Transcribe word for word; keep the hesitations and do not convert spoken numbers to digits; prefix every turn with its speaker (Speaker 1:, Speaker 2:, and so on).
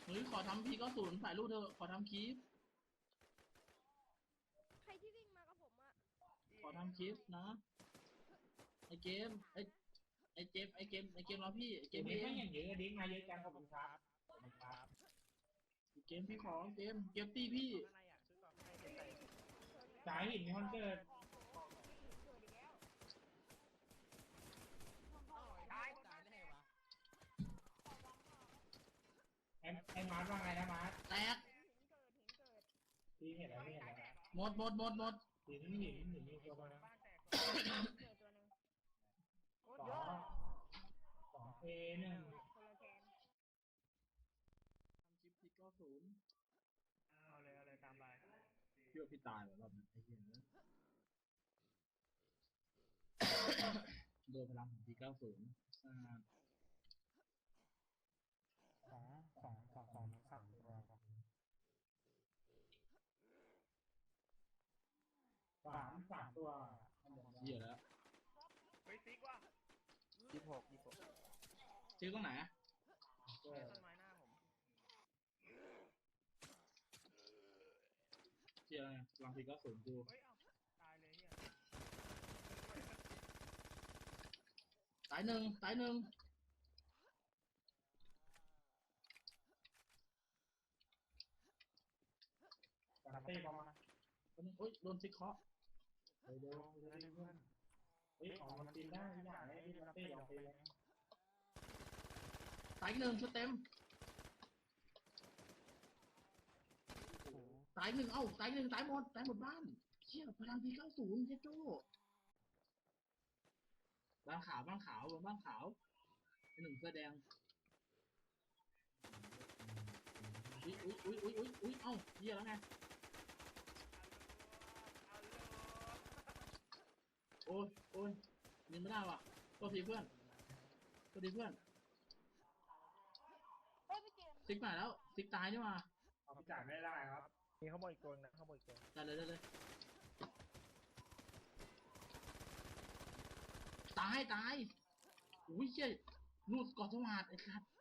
Speaker 1: เฮ้ยขอทำพีก็ศูนย์ถ่ายรูปเธอขอทำคลิป
Speaker 2: ใครที่วิ่งมากับผมอะ
Speaker 1: ขอทำคลิปนะไอเกมไอไอเจมไอเกมไอเกมรอพี่ไอเก
Speaker 3: เก
Speaker 1: ม
Speaker 3: ม
Speaker 1: พี่
Speaker 3: นี้
Speaker 1: เอง
Speaker 3: ก็อย่างเยอะดิ้งมาเยอะจังขอบคุณครับขอบคุณครับ
Speaker 1: ไอเกมพี่ขอเกมเกมตีพี่
Speaker 4: ข้างในอ่ะซื้อก่อนข้างในเดี๋ยวใส่
Speaker 3: สายหินมีคอนเกิด
Speaker 4: ตาย
Speaker 5: ตายได้ไงวะ
Speaker 3: ไอ้ไอ้มาร์ทว่าไงนะมาร์ท
Speaker 1: แตก
Speaker 3: ทีเห็นแล้วไม่เห็นแล้ว
Speaker 1: หมดหมดหมดหมด
Speaker 3: หินหินหินมีตัวมาแล้ว
Speaker 4: บ้านแตก
Speaker 2: เกิดตัวหนึ่ง
Speaker 4: โคตร
Speaker 3: ส
Speaker 4: เย
Speaker 3: อ
Speaker 4: อะ
Speaker 3: งสองเอหนึ่ง
Speaker 2: คนละแกน
Speaker 1: ทำคลิปพีก็ศูนย์
Speaker 4: เอาเลยเอาเลยตามไป
Speaker 1: พี่ว่าพี่ตายแบบรอบนั้นไอ้เหี้ยโดนพลังของพีเก้าศูนย์อ่า
Speaker 3: สองสองสองสองสามตัวครับสามสามตัว
Speaker 1: เหี้ยแล้ว
Speaker 4: เฮ้ยติ๊กว่ะ
Speaker 5: ยี่สิบหกยี่สิบหก
Speaker 1: ซื้อตรงไหนอะ
Speaker 3: เอ
Speaker 4: ใต้
Speaker 3: อ
Speaker 4: ต้นไม้หน้าผม
Speaker 1: เหี้ยอะไรอะพลังพีเก้าศูนย์กู
Speaker 4: เฮ้ยเอ้าตายเลยเฮีย
Speaker 1: ตายหนึ่งตายหนึ่ง
Speaker 3: สามตีประมาณ
Speaker 1: ตอนนี้โอ๊ยโดนซิกเคาะ
Speaker 3: เดี๋ยวเดี๋ยวเดี๋ยวเพื่อนเฮ้ยของมันตีได้ทุกอย่างเลยที่มันตีลองตีเลย
Speaker 1: ตายอีกหนึ่งชุดเต็ม
Speaker 5: โอ้โห
Speaker 1: ตายหนึ่งเอ้าตายหนึ่งตายหมดตายหมดบ้านเชี่ยพลังพีเก้าศูนย์เจ๊โจ้บ้านขาวบ้านขาวบ้านขาวไอ้หนึ่งเสื้อแดงอุ้ยอุ้ยอุ้ยอุ้ยอุ้ยอุ้ยเอ้าเหี้ยแล้วไงโอ้ยโอ้ยยิงไม่ได้ว่ะตัวทีเพื่อนตัวทีเพื่อน
Speaker 2: เฮ้ยพี่เจมส์
Speaker 1: ซิกมาแล้วซิกตายนี่มา
Speaker 3: เอาไปจ่ายไม่ได้ครับ
Speaker 4: มีข้างบนอีกตัวนึงนะข้างบนอีกตัว
Speaker 1: ได้เลยได้เลยตายตายอุ้ยเชี่ยรูดกอดสวัสดไอ้สัส